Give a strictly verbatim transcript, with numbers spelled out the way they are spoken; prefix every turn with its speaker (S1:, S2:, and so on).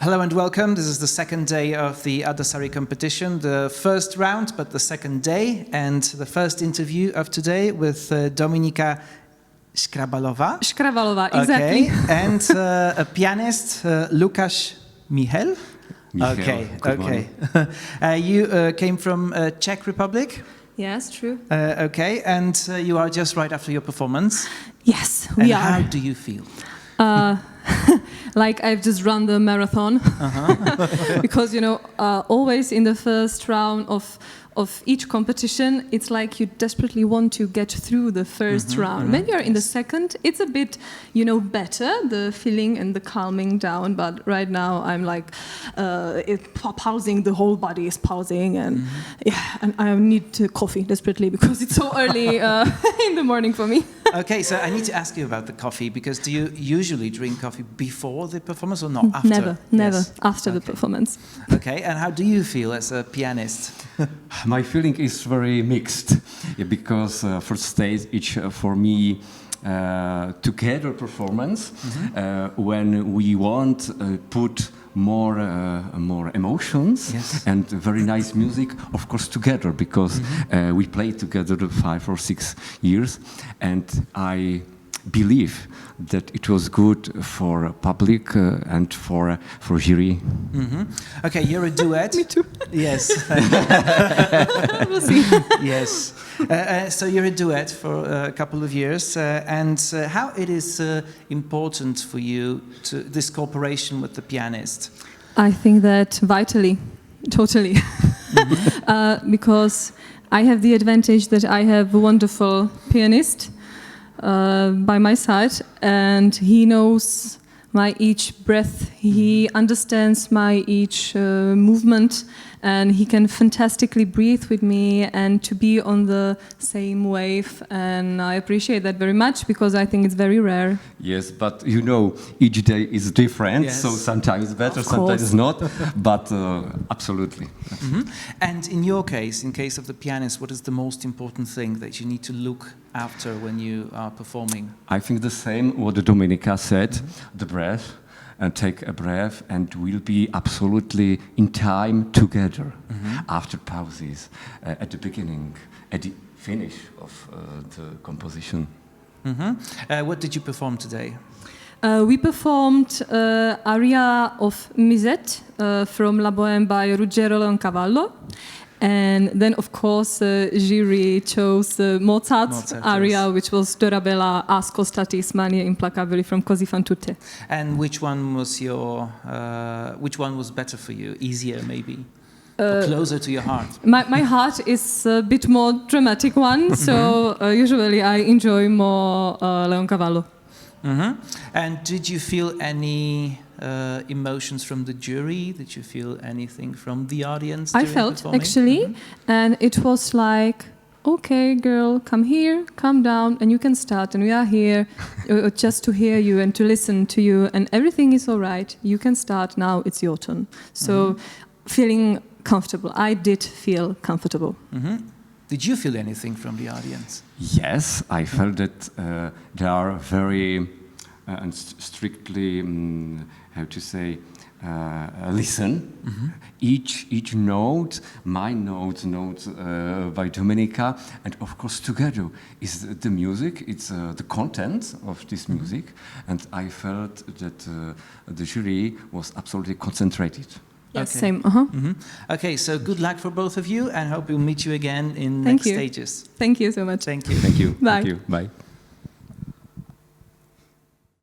S1: Hello and welcome. This is the second day of the Addassari competition, the first round, but the second day, and the first interview of today with uh, Dominika Škrabalová.
S2: Škrabalová, exactly.
S1: Okay, and uh, a pianist, uh, Lukáš Michel.
S3: Michel,
S1: okay,
S3: good
S1: okay. uh, you uh, came from uh, Czech Republic.
S2: Yes, true.
S1: Uh, okay, and uh, you are just right after your performance.
S2: Yes, we
S1: and
S2: are.
S1: How do you feel?
S2: Uh, like I've just run the marathon, uh-huh. because you know, uh, always in the first round of of each competition, it's like you desperately want to get through the first mm-hmm, round. Mm-hmm. When you're in the second, it's a bit, you know, better, the feeling and the calming down. But right now, I'm like, uh, it, pausing, the whole body is pausing, and mm-hmm. yeah, and I need to coffee desperately because it's so early uh, in the morning for me.
S1: Okay, so I need to ask you about the coffee, because do you usually drink coffee before the performance or not after?
S2: Never, never,
S1: yes.
S2: after
S1: okay.
S2: the performance.
S1: Okay, and how do you feel as a pianist?
S3: My feeling is very mixed, yeah, because uh, first stage it's uh, for me uh, together performance, mm-hmm. uh, when we want uh, put more uh, more emotions,
S1: yes.
S3: and very nice music, of course together, because
S1: mm-hmm.
S3: uh, we played together five or six years, and I believe that it was good for public uh, and for uh, for jury.
S1: Mm-hmm. Okay, you're a duet.
S2: Me too.
S1: Yes.
S2: We'll see.
S1: Yes. Uh, uh, so you're a duet for uh, a couple of years, uh, and uh, how it is uh, important for you to this cooperation with the pianist?
S2: I think that vitally, totally, mm-hmm. uh, because I have the advantage that I have a wonderful pianist Uh, by my side, and he knows my each breath, he understands my each uh, movement, and he can fantastically breathe with me and to be on the same wave, and I appreciate that very much because I think it's very rare.
S3: Yes, but you know, each day is different,
S1: yes.
S3: so sometimes better,
S2: Of
S3: sometimes not, but uh, absolutely.
S1: Mm-hmm. And in your case, in case of the pianist, what is the most important thing that you need to look after when you are performing?
S3: I think the same what Dominika said, mm-hmm. the breath, and take a breath, and we'll be absolutely in time together, mm-hmm. after pauses, uh, at the beginning, at the finish of uh, the composition.
S1: Mm-hmm. Uh, what did you perform today?
S2: Uh, we performed uh, aria of Musette uh, from La Bohème by Ruggero Leoncavallo. And then, of course, uh, jury chose uh, Mozart's
S1: Mozart,
S2: aria,
S1: yes.
S2: which was Dorabella Ascoltatis Mania Implacabili from Così fan tutte.
S1: And which one was your? Uh, which one was better for you? Easier, maybe,
S2: Uh,
S1: or closer to your heart?
S2: My my heart is a bit more dramatic one, so uh, usually I enjoy more uh, Leoncavallo.
S1: Mm-hmm. And did you feel any uh, emotions from the jury? Did you feel anything from the audience?
S2: I felt
S1: performing?
S2: actually, mm-hmm. and it was like, okay, girl, come here, come down, and you can start, and we are here uh, just to hear you and to listen to you, and everything is all right. You can start now. It's your turn. So, mm-hmm. feeling comfortable. I did feel comfortable.
S1: Mm-hmm. Did you feel anything from the audience?
S3: Yes, I felt that uh, they are very uh, and st- strictly, um, how to say, uh, listen. Mm-hmm. Each each note, my note, note uh, by Dominika, and of course together is the music. It's uh, the content of this music, mm-hmm. and I felt that uh, the jury was absolutely concentrated.
S2: Yes,
S1: okay.
S2: same. Uh-huh.
S1: Mm-hmm. Okay, so good luck for both of you, and hope we'll meet you again in
S2: Thank
S1: next
S2: you.
S1: stages.
S2: Thank you so much.
S1: Thank you.
S3: Thank you.
S2: Bye.
S3: Thank you. Bye.